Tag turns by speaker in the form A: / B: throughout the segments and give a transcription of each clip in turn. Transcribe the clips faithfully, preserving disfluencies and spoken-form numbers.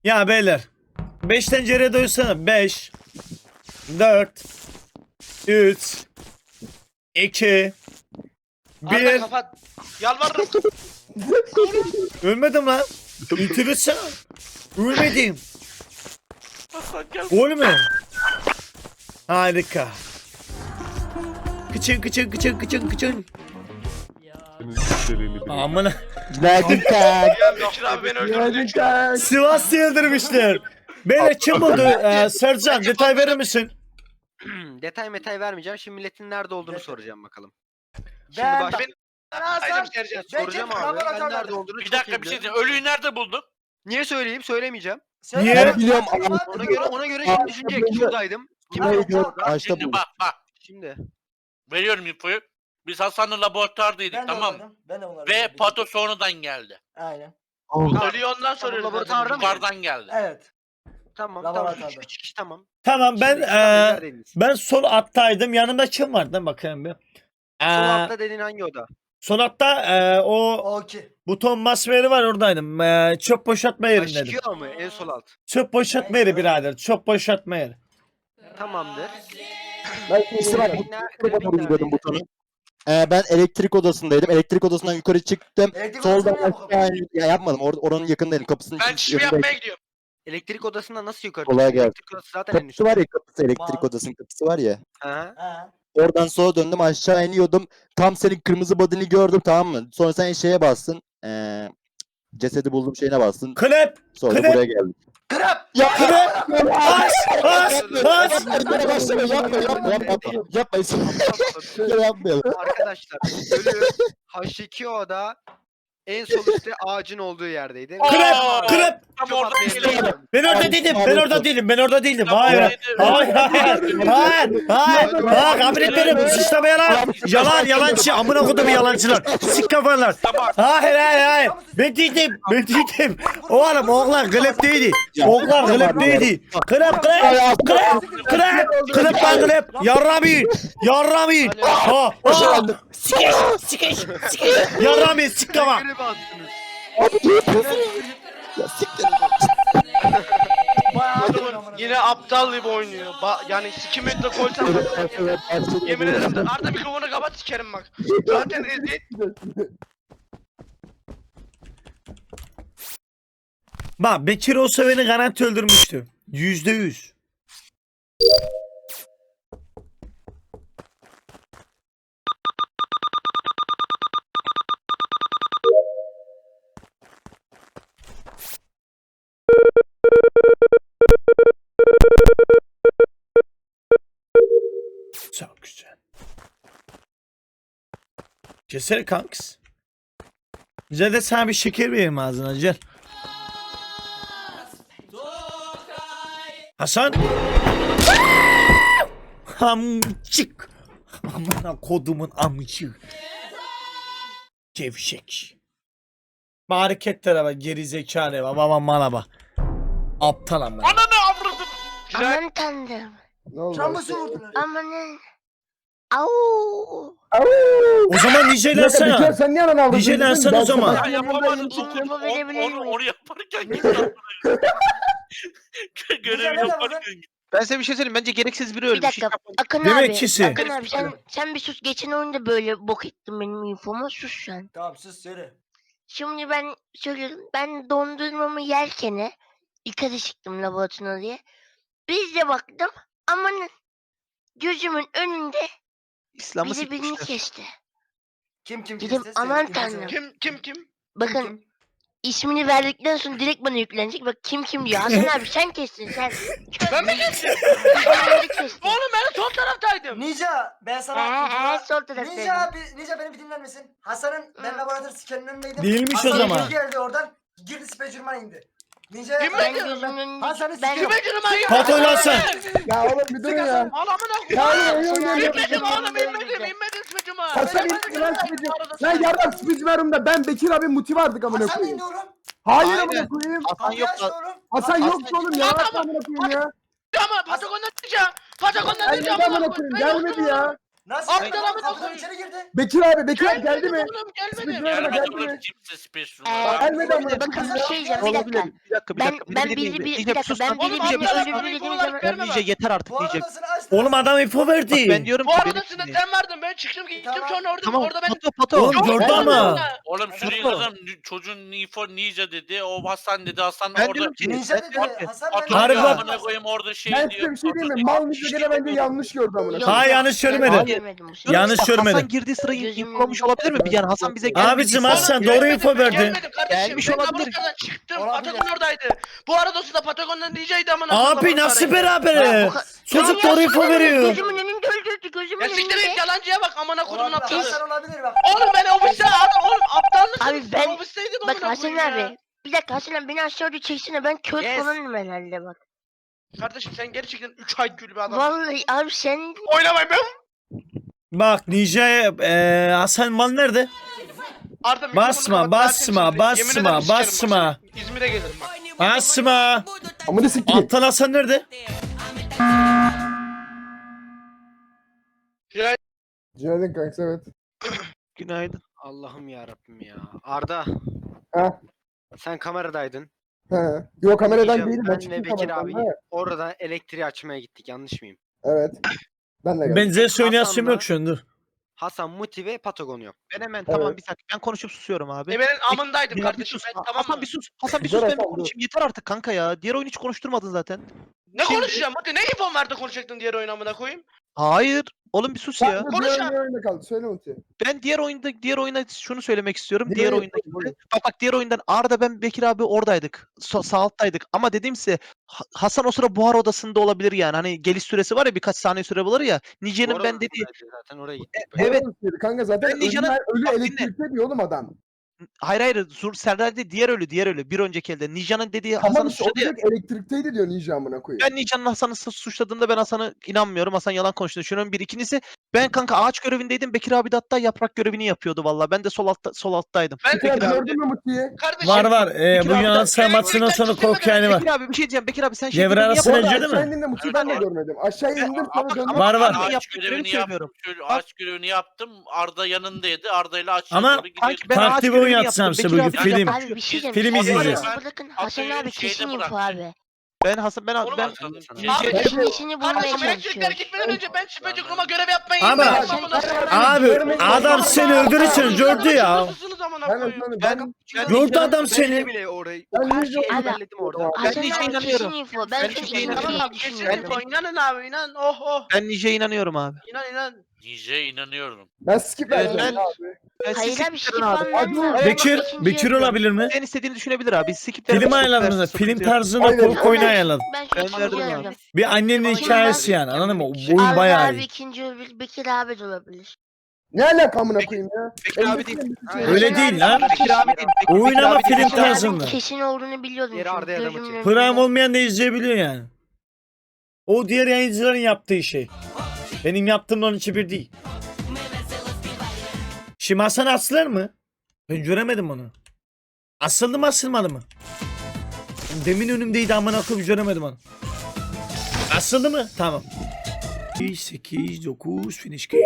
A: Ya beyler. beş tencereye doyursana. beş, dört, üç, iki,
B: Arda
A: bir.
B: kapat. Yalvarırım.
A: Ölmedim lan. Bitirirsen. Ölmedim.
B: Hasan gel.
A: Ölme. Harika. Kıçın kıçın kıçın kıçın kıçın. Amına.
C: Günaydın kank.
B: Ya Bekir abi beni öldürdü.
C: Günaydın kank.
A: Sivas yıldırmışlar. Beyler kim buldu? Ee, Sercan detay verir misin?
D: Detay metay vermeyeceğim. Şimdi milletin nerede olduğunu soracağım bakalım. Şimdi
E: Ben-
D: baş...
B: Ben
E: Hasan,
B: Aydım Sercan.
E: ben-
D: soracağım
E: Bekir,
D: abi. Ben
E: laboratuvarda.
D: nerede olduğunu
B: Bir
D: çok
B: dakika
D: iyi
B: bir şey
D: biliyorum.
B: diyeyim. Ölüyü nerede buldun?
D: Niye söyleyeyim? Söylemeyeceğim.
A: Niye?
C: Ben biliyorum.
D: Ona göre ona göre şimdi düşünecek. Şuradaydım. Kim
C: Buraya
D: oldu?
C: gidiyorum. Ağaçta
B: Şimdi
C: buldum.
B: bak bak.
D: Şimdi.
B: Veriyorum infoyu. Biz Hasan'la laboratuvardaydık
E: Ben de
B: tamam mı?
E: onlardım, Ben de onlardım.
B: Ve Pato sonradan geldi.
E: Aynen.
B: Ölüyü ondan soruyoruz.
D: laboratuvarda mı?
B: Yukarıdan geldi.
E: Evet.
D: Tamam tamam.
E: Laboratuvarda.
D: Üç, üç kişi tamam.
A: Tamam ben
D: Şimdi
A: ee,
D: neredeydiniz?
A: ben sol attaydım. Yanımda kim vardı? Bakayım bir.
D: Sol
A: Ee,
D: altta dediğin hangi oda?
A: sol altta ee, o
E: Okey.
A: buton masmeri var oradaydım. Ee, çöp boşaltma yerindeydim.
D: Aşikio mu? En sol alt.
A: Çöp boşaltma yeri birader. Çöp boşaltma yeri.
D: Tamamdır.
C: Ben ikisi var.
D: Krabin ner-
C: Bu
D: Krabin
C: tarafa gidiyordum
D: neredeydi?
C: butonu. Ee, ben elektrik odasındaydım. Elektrik odasından yukarı çıktım.
E: Elektrik
C: Soldan
E: odasına mı
C: aşağı in- ya yapmadım. Or oranın yakındaydım. Kapısının
B: Ben
C: için-
B: çişimi
C: önündeydim.
B: yapmaya gidiyorum.
D: Elektrik odasında nasıl yukarı
C: Kolay
D: çıktın?
C: gelsin.
D: Elektrik odası zaten en
C: Kapısı
D: üstte.
C: var ya kapısı elektrik
E: Var.
C: odasının kapısı var ya.
D: Aha.
E: Ha.
C: Oradan sola döndüm aşağı iniyordum. Tam senin kırmızı body'ni gördüm tamam mı? Sonra sen şeye bastın. Ee, cesedi buldum şeyine bastın.
A: Klep.
C: Sonra
A: Klep.
C: buraya geldim.
E: Krap.
C: Ya
A: Klep. As. As. As.
C: Yapma başlama yapma yapma yapma yapma yapma yapmayalım.
D: Arkadaşlar ölü H iki O'da en sol üstte ağacın olduğu yerdeydi.
A: Klep.
B: Aa!
A: Klep.
B: Tam
D: Çöp
B: oradan
D: atmaya
B: geliyorum.
D: gidiyorum.
A: Ben orada değilim. Ben orada değilim. Ben orada değilim. Hayır. Hayır. Hayır. Hayır. Hayır. Hayır. Kabul etmiyorum. Sıçrama yalan. Yalan. Yalancı. Amına kodum yalancılar. Sik kafalar.
B: Tamam.
A: Hayır. Hayır. Hayır. Ben değildim. Ben değildim. Oğlum oğlan klep değildi. Oğlan klep değildi. Klep klep. Klep. Klep. Klep lan klep. Yarramayın. Yarramayın. Ha. Ha. Sikeş. Sikeş. Sikeş. Yarramayın. Sik kafa.
D: Görevi attınız.
C: Abi ne yapıyorsun? Ya siktir.
E: Bayağı
B: Adamın yine aptal gibi oynuyor. Ba yani iki metre koysam yemin ederim. Arda mikrofonu kapat sikerim bak. Zaten eziyet.
A: Bak Bekir olsa beni garanti öldürmüştü. Yüzde yüz. Çok güzel. Cesur kanks. Güzel de sana bir şeker vereyim ağzına gel. Hasan. Amcık. Amına kodumun amcık. Gevşek. Bu hareketlere bak geri zekalı bak baba bana bak. Aptal amına.
B: Ananı avradım. Güzel.
F: Aman tanrım.
C: Ne oldu?
E: Travması vurdular.
F: Amanın. Au.
A: O zaman
C: Bir
A: nicelersene.
C: sen niye anan aldın?
A: Nicelensen o zaman.
B: Ya yapamadım.
F: Info
B: Onu,
F: verebilir
B: onu,
F: miyim?
B: onu yaparken git lan. Görevi
E: Güzel
B: yaparken git.
G: Ben size bir şey söyleyeyim. Bence gereksiz biri
F: Bir
G: ölmüş.
F: dakika. Akın
A: Demek
F: abi.
A: kisi.
F: Akın abi sen, sen bir sus. Geçen oyunda böyle bok ettin benim infomu. Sus sen.
E: Tamam sus söyle.
F: Şimdi ben söylüyorum. Ben dondurmamı yerken yukarı çıktım laboratuvara diye. Biz de baktım. Amanın. Gözümün önünde
G: İslam'ı
F: biri birini
G: sikmişler.
F: kesti.
E: Kim kim
F: Dedim,
E: kesti? Söyle,
F: aman
E: kim
F: tanrım.
E: kesti?
B: Kim kim kim?
F: Bakın
E: Kim?
F: ismini verdikten sonra direkt bana yüklenecek. Bak kim kim diyor. Hasan abi sen kestin sen.
B: Ben mi kestim?
F: Sen kestin.
B: Oğlum ben sol taraftaydım.
E: Ninja ben sana
F: Eee sol
E: Ninja
F: taraftayım.
E: abi Ninja beni bir dinler misin? Hasan'ın ben
F: Hı.
E: laboratuvar sikenin önündeydim.
A: Değilmiş o
E: Hasan
A: zaman.
E: Hasan geldi oradan girdi specurman indi. Ninja
B: Kim
F: Ben
B: ben-
F: gözümün önünde.
E: Hasan'ı
F: Ben
E: sikiyorum.
B: Kime canım ayı?
A: Pato lan sen.
C: Ya oğlum bir durun ya.
B: Ağlamına
C: Ya
B: koyayım.
C: oğlum, oğlum, oğlum.
B: İnmedim oğlum inmedim inmedim sıçıma.
H: Hasan indi lan sıkıcı. Lan yardım sıkıcı verumda ben Bekir abi muti vardık amına
E: Hasan
H: koyayım.
E: indi oğlum.
H: Hayır
G: Aynen.
H: amına koyayım.
G: Hasan
E: Kapıyı
G: yok
E: açtı
G: da.
E: oğlum.
H: Hasan yoktu oğlum ya. Hasan amına koyayım ya.
B: Ama Patagon'dan diyeceğim. Patagon'dan
H: Ben
B: diyeceğim.
H: ne amına koyayım gelmedi ya.
E: Nasıl?
B: Aptal
E: Aptal
B: amına
E: Kapıdan
B: koyayım.
E: içeri girdi.
H: Bekir abi Bekir abi geldi mi?
B: Oğlum gelmedi.
H: Speedrunner'a
I: Gelmedi
H: geldi
I: oğlum
H: mi?
I: kimse Space
F: Ee,
I: Runner'a.
H: Gelmedi ama.
F: bakın bir şey diyeceğim bir
C: Olabilir.
F: dakika.
G: Bir dakika bir
F: Ben
G: dakika.
F: ben
G: beni
F: biri
G: dinleyin.
F: bir, bir
G: Nice,
F: dakika
G: sus
F: ben
G: lan.
B: Oğlum
F: biri
B: aptal
F: birini
B: amına
F: öldürdü
B: info
F: dediğim
B: olarak
F: zaman
B: verme
G: Nice
B: bak.
G: yeter artık
E: Bu
G: Nice.
E: arada açtı.
A: Oğlum adam info
G: Bak
A: verdi.
G: ben diyorum
B: Bu
G: ki
B: arada
G: beni
B: sen
G: dinleyin.
B: sen verdin ben çıktım gittim
E: Tamam.
B: sonra orada
G: Tamam
B: orada ben
G: Pato Pato.
A: Oğlum gördü
E: Ben-
A: ama.
I: Oğlum
G: Pato.
I: şuraya yazalım. Çocuğun info Ninja dedi. O Hasan dedi. Hasan
G: Ben
I: orada.
G: diyorum ki
E: Ninja
G: ben diyorum
E: dedi.
G: ki
E: Hasan
I: Pato
E: ben
A: Harbi
I: diyor
A: bak.
I: amına koyayım orada şey
H: Ben
I: diyor.
H: size bir şey diyeyim mi?
I: Pato
H: Mal
I: diyor,
H: Ninja gene bence yanlış gördü amına.
F: Yok,
A: Ha
F: yok,
A: yanlış
F: ben
A: söylemedi.
F: görmedim bu sefer.
G: diyorum
A: Yanlış
G: işte,
A: görmedi.
G: Hasan girdiği sırayı
F: Gözümün
G: infolamış
F: önünde.
G: olabilir mi? Bir yani Hasan bize gelmedi.
A: Abicim Hasan doğru
B: Gelmedim,
A: info
B: ben
A: verdi.
B: Gelmedim kardeşim.
G: Gelmiş
B: ben
G: olabilir.
B: Kabarıka'dan çıktım.
E: Olabilir.
B: Patagon oradaydı. Bu arada o sırada Patagon'dan Ninja'ydı amına koyayım,
A: Abi
B: Kabarıka'daydı.
A: nasıl beraber?
F: Bu ka-
A: Çocuk
F: Ya
A: doğru info veriyor.
F: Gözümün önünde öldürdü gözümün
B: Ya siktir
F: önünde.
B: et yalancıya bak amına kodumun
E: Olabilir.
B: aptalı.
E: Hasan olabilir bak.
B: Oğlum ben ofiste adam oğlum aptallık.
F: Abi ben-
B: ofisteydim
F: Bak
B: amına
F: Hasan
B: koyayım ya.
F: abi. Bir dakika Hasan abi beni aşağı doğru çeksene ben kör
B: Yes.
F: falanım herhalde bak.
B: Kardeşim sen gerçekten üç ay gül bir adamsın.
F: Vallahi abi sen
B: Oynamayın ben.
A: Bak Ninja'ya eee Hasan mal nerede?
B: Arda mikrofonu
A: Basma,
B: kapat,
A: basma,
B: zaten
A: basma,
B: şimdi. Yemin ederim sikerim bak
A: basma.
B: seni. İzmir'e gelirim bak.
A: Basma.
H: Amına sikeyim.
A: Aptal Hasan nerede?
B: Ya
H: Günaydın kanka evet.
G: Günaydın.
D: Allah'ım ya Rabbim ya. Arda.
H: Ha.
D: Sen kameradaydın.
H: He. Yok kameradan
D: Ninja,
H: değilim ben
D: ben ve
H: çıktım
D: Bekir
H: kameradan.
D: abi
H: Ha,
D: oradan elektriği açmaya gittik. Yanlış mıyım?
H: evet. Ben de geldim.
A: Ben Zeus oynayasım
D: Hasan'la-
A: yok şu an dur.
D: Hasan, Muti ve Patagon yok.
G: Ben hemen
H: Evet.
G: tamam bir dakika ben konuşup susuyorum abi.
B: Ebe'nin amındaydım
G: Ya bir
B: kardeşim
G: sus.
B: ben tamam
G: Hasan
B: mı?
G: bir sus. Hasan bir
H: Dur
G: sus ben bir
H: Hasan, dur.
G: konuşayım. Yeter artık kanka ya. Diğer oyunu hiç konuşturmadın zaten.
B: Ne
G: Şimdi-
B: konuşacağım? Hadi ne infon verdi konuşacaktın diğer oyun amına koyayım?
G: Hayır. Oğlum bir sus
H: Sen
G: ya.
H: de
B: Konuş
H: diğer
B: abi.
H: oyunda oyunda kaldı. Söyle Muti.
G: Ben diğer oyunda diğer oyuna şunu söylemek istiyorum.
H: Diğer
G: Diğer
H: oyun-
G: oyunda
H: buyurun.
G: bak bak diğer oyundan Arda ben Bekir abi oradaydık. So, sağ alttaydık. Ama dediğim size Ha- Hasan o sıra buhar odasında olabilir yani. Hani geliş süresi var ya birkaç saniye süre bulur ya. Nice'nin
D: Orada
G: ben dediği
D: oradaydı zaten oraya gittik.
G: evet.
H: Doğru kanka zaten
G: Ben
H: ölü,
G: Ninja'nın-
H: ölü
G: Bak dinle.
H: elektrikte diyor oğlum adam.
G: Hayır hayır. Sur Serdar değil diğer ölü diğer ölü. Bir önceki elde. Nice'nin dediği
H: Tamam
G: Hasan'ı
H: işte o
G: suçladı ya.
H: direkt elektrikteydi diyor Ninja amına koyayım.
G: Ben Nice'nin Hasan'ı su- suçladığında ben Hasan'ı inanmıyorum. Hasan yalan konuştuğunu düşünüyorum. Bir ikincisi ben kanka ağaç görevindeydim. Bekir abi de hatta yaprak görevini yapıyordu valla. Ben de sol altta sol alttaydım.
B: Ben
H: Bekir abi
G: abi-
H: gördün mü Muti'yi?
B: Kardeşim.
A: Var var. Ee,
G: Bekir
A: bu
G: abi de-
A: Yunanistan maçından sonra korku yani var.
G: Bekir abi bir şey diyeceğim. Bekir abi sen şey
A: Devre
G: görevini
A: arası
G: yap-
H: Bu arada
A: Sence de mi?
H: aşağı indin de Muti'yi ben de
I: Evet.
H: görmedim. Aşağıya
G: Ben-
H: indim
G: ama-
H: sonra döndüm.
G: ama-
A: Var, var.
G: Ağaç
I: Ağaç
G: görevini
I: görevini
G: söylüyorum.
I: yaptım. Şöyle ağaç görevini yaptım. Arda yanındaydı. Arda ile aşağı
A: Ama-
I: doğru gidiyorduk.
G: Kanki ben
A: Farklı
G: ağaç
A: bir oyun
G: görevini
A: yapsam
G: yaptım.
A: size
G: Bekir
A: bugün,
G: abi de
A: film.
G: yaptı.
F: Abi bir şey diyeceğim.
A: Film
F: Hasan abi,
A: izleyeceğiz.
F: Bırakın
I: Ben-
F: Hasan
I: Hasan'ı
F: abi kesin
I: şeyde
F: info
I: bıraktım.
F: abi.
G: Ben Hasan ben
B: Oğlum
G: ben
B: Hasan-
D: Sana-
G: Ninja-
B: Abi-
F: İşin içini bulmaya
B: Kardeşim elektrikler
F: çalışıyorum.
B: gitmeden önce ben şüpheci kuruma görev yapmayı
A: Ama-
B: yemin ederim amına koyayım.
A: Abi adam seni öldürürsen gördü ya.
B: Susunuz amına
H: Ben
B: koyayım.
H: ben
G: Ben-
H: ben
A: Gördü adam
D: Ben
A: seni.
D: bile orayı
H: Ben
D: o her
H: Ninja
D: şeyi
F: Abi-
D: hallettim orada.
F: Hasan
G: Ninja'ya
F: abi
G: inanıyorum.
F: kesin info. Ben
G: Ben
F: çünkü
G: Ninja'ya
F: info
G: inanıyorum.
F: diye
B: Tamam kesin
F: düşünüyorum.
B: info. İnanın abi inan. Oh oh.
G: Ben Nice'ye inanıyorum abi.
B: İnan inan.
I: Ninja'ya inanıyorum.
H: ben skip
G: Evet,
H: vereceğim
G: ben-
H: abi.
G: Ben
F: Hayır
G: skip
F: abi skip
G: verin abi.
F: vermem
H: Hadi.
F: lazım.
A: Bekir,
F: İkinci
A: Bekir
F: yapıyorum.
A: olabilir mi?
G: Sen istediğini düşünebilir abi. Skip
A: Film
G: vermezse
A: ayarladınız da
G: sıkıntı
A: film
G: yok.
A: tarzında
H: Aynen.
A: korku oyunu ayarladım.
F: Ben şu
G: Ben
F: ikinci
G: verdim abi.
F: yapıyorum.
A: Bir annenin
F: Bakayım
A: hikayesi
F: ben-
A: yani anladın mı? Oyun
F: Arda
A: bayağı
F: abi
A: iyi.
F: ikinci olabilir. Bekir abi de olabilir.
H: Ne alaka amına koyayım ya?
G: Bekir abi değil.
A: Öyle değil lan.
G: Bekir abi değil. Bekir-
A: Oyun
G: Bekir
A: ama
G: abi değil.
A: film
F: Bekir abinin
A: tarzında.
F: kesin olduğunu biliyordum.
D: Diğeri
F: çünkü
D: Arda ya da
F: gözümün
D: Muti.
F: önünde.
A: Prime olmayan da izleyebiliyor yani. O diğer yayıncıların yaptığı şey. Benim yaptığımla onun için bir değil. Şimdi Hasan asılır mı? Ben göremedim onu. Asıldı mı asılmadı mı? Demin önümdeydi amına koyayım göremedim onu. Asıldı mı? Tamam. sekiz dokuz finish game.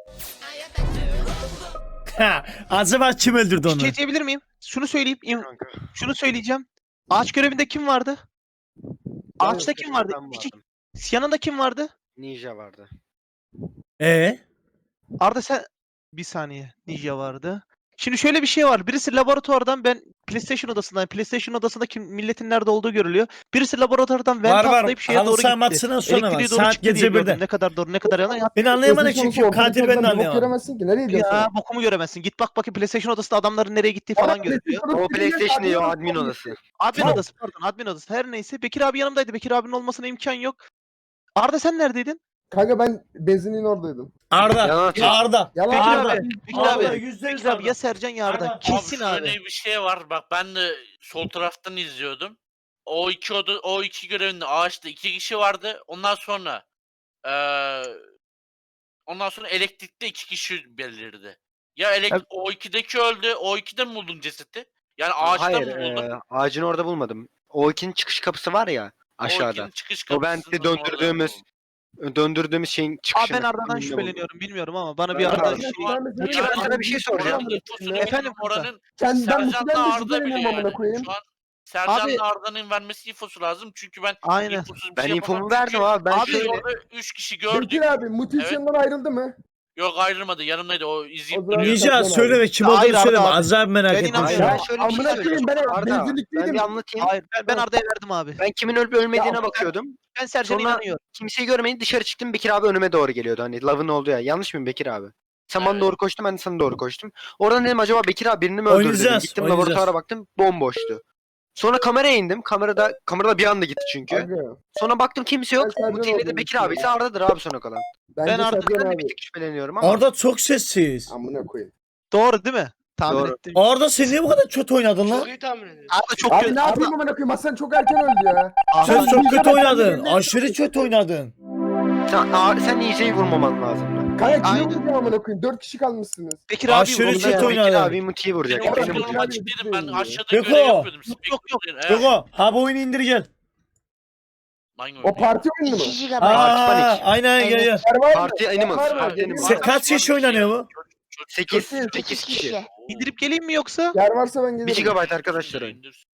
A: Ha, acaba kim öldürdü
G: Bir
A: onu?
G: şey diyebilir miyim? Şunu söyleyeyim. im-
D: Kanka.
G: Şunu söyleyeceğim. Ağaç görevinde kim vardı? Ağaçta kim vardı?
D: Ben
G: İki,
D: vardım.
G: yanında kim vardı?
D: Ninja vardı.
A: Ee?
G: Arda sen bir saniye. Ninja vardı. Şimdi şöyle bir şey var. Birisi laboratuvardan ben PlayStation odasından PlayStation odasında kim milletin nerede olduğu görülüyor. Birisi laboratuvardan vent
A: Var, var.
G: atlayıp şeye
A: Halı
G: doğru
A: saha
G: gitti.
A: maçından sonra var.
G: Elektriğe doğru
A: Saat
G: çıktı diye
A: gece
G: gördüm.
A: birde.
G: Ne kadar doğru ne kadar yalan. Ya,
A: Beni anlayamadık
H: PlayStation
A: çünkü
H: olsa
A: katil ben de
H: ortadan bir bok
A: anlayamadım.
H: göremezsin ki. Nereye gidiyorsun?
G: ya bokumu göremezsin. Git bak bakayım PlayStation odasında adamların nereye gittiği falan görülüyor.
D: O PlayStation değil o admin odası.
G: Admin
H: Tamam.
G: odası pardon admin odası. Her neyse Bekir abi yanımdaydı. Bekir abinin olmasına imkan yok. Arda sen neredeydin?
H: Kanka ben benzinin oradaydım.
A: Arda.
D: Yalan atıyorsun.
A: Arda.
H: Yalan
G: Bekir
A: Arda.
G: abi. Bekir
A: Arda,
G: abi.
A: yüzde yüz
G: Bekir abi
A: Arda.
G: ya Sercan ya Arda.
A: Arda.
G: Kesin
I: abi.
G: abi.
I: Şöyle bir şey var. Bak ben de sol taraftan izliyordum. O iki oda, o iki görevinde ağaçta iki kişi vardı. Ondan sonra eee ondan sonra elektrikte iki kişi belirdi. Ya elek
G: Evet.
I: o ikideki öldü. O ikide mi buldun cesedi? Yani ağaçta
D: Hayır,
I: mı buldun?
D: e, ağacın orada bulmadım. O ikinin çıkış kapısı var ya
I: O
D: aşağıda.
I: ikinin çıkış
D: O ben
I: kapısının
D: de döndürdüğümüz
I: orada buldum.
D: Döndürdüğümüz şeyin
G: Abi
D: çıkışını.
G: ben Arda'dan
D: Önünde
G: şüpheleniyorum bilmiyorum ama bana
H: Ben
G: bir Arda
H: Arda'dan
G: şey...
H: şüpheleniyorum.
D: Peki ben sana bir şey soracağım.
I: Oranın infosunu
G: Efendim
I: Efendim,
G: kanka.
I: oranın
H: Sen ben
I: Sercan'la
H: Muti'den de
I: Arda
H: şüpheleniyorum
I: biliyor
H: amına
I: yani.
H: koyayım.
I: Şu an Sercan'la
G: Abi-
I: Arda'nın vermesi infosu lazım. Çünkü ben
G: Aynen.
I: infosuz bir
D: Ben
I: şey
D: infomu
I: yapamam.
D: verdim
I: Çünkü
D: abi. Ben
G: Abi
I: biz
D: şöyle.
I: orada üç kişi gördük.
H: Bekir abi Muti
I: Evet.
H: hiç yanından ayrıldı mı?
I: Yok ayrılmadı. Yanımdaydı. O izleyip
H: O zaman
I: duruyor.
H: Ninja-
A: Ninja
H: Sercan
A: söyleme kim olduğunu
G: Hayır, Arda
A: söyleme.
G: abi.
A: Acayip merak
G: Ben
A: ettim
G: inanmıyorum.
A: şu an.
D: Ben şöyle bir şey
H: Amına koyayım,
D: söyleyeceğim.
H: ben
D: Arda ben
H: benzinlikteydim.
D: bir anlatayım.
G: Hayır ben, ben Arda'ya verdim abi.
D: Ben kimin ölüp ölmediğine
H: Ya,
D: bakıyordum.
G: Ben Sercan'a
D: Sonra-
G: inanıyorum.
D: Kimseyi görmeyince dışarı çıktım. Bekir abi önüme doğru geliyordu. Hani lavın olduğu ya. Yanlış mıyım Bekir abi? Sen bana
I: Evet.
D: doğru koştun, ben de sana doğru koştum. Oradan dedim acaba Bekir abi birini mi öldürdü dedim.
A: Oynayacağız,
D: Gittim
A: oynayacağız.
D: laboratuvara baktım, bomboştu. Sonra kameraya indim. Kamerada kamerada bir anda gitti çünkü.
H: Aga,
D: Sonra baktım kimse yok.
H: Ben Sercan
D: Muti ile de
H: olduğunu
D: Bekir abi ise
H: düşünüyorum.
D: Arda'dır abi sona kalan.
H: Bence
G: Ben Arda-
H: Sercan
D: Ben de bir
H: abi.
D: tık şüpheleniyorum ama.
A: Arda çok sessiz.
H: Amına koyayım.
G: Doğru değil mi? Tahmin
D: Doğru.
G: ettim.
A: Arda sen niye bu kadar kötü oynadın
B: Çok
A: lan?
B: iyi tahmin ediyorum.
G: Arda çok
H: Abi
G: kötü.
H: ne yapayım amına koyayım? Hasan çok erken öldü ya.
A: Sen
G: Arda-
A: çok
H: Ninja
A: kötü
H: ben
A: oynadın.
H: kendimle-
A: Aşırı kötü oynadın.
D: Sen, Aa, sen Ninja'yı vurmaman lazım.
H: Kaya kimi
G: Aynen.
H: vuracağım amına koyayım? Dört kişi kalmışsınız.
G: Bekir abi
A: Aşırı
G: vurdu
A: kötü
G: ya.
A: oynadı.
D: Bekir abi Muti'yi vuracak.
I: Benim
H: Bekir
D: Beni
H: abi-
I: oyunum
D: vuracak.
H: Bekir abi-
I: açık değilim. Ben aşağıda
A: Beko.
I: görev yapıyordum.
G: Yok, yok, yok.
I: Evet.
A: Beko ha bu oyunu indir gel.
I: Hangi
H: O
I: oyun?
H: parti oyunu mu?
F: iki gigabayt.
A: Aa,
D: Panik.
A: aynen gel gel.
H: Yer var mı?
D: Parti Animals.
H: Var mı?
D: Parti
H: Yer
D: Animals.
A: Sen kaç kişi oynanıyor bu?
D: sekiz.
H: Sekiz
D: sekiz kişi.
G: İndirip geleyim mi yoksa?
H: Yer varsa ben
D: bir
H: gelirim.
D: gigabayt arkadaşlar oyun.
I: İndir.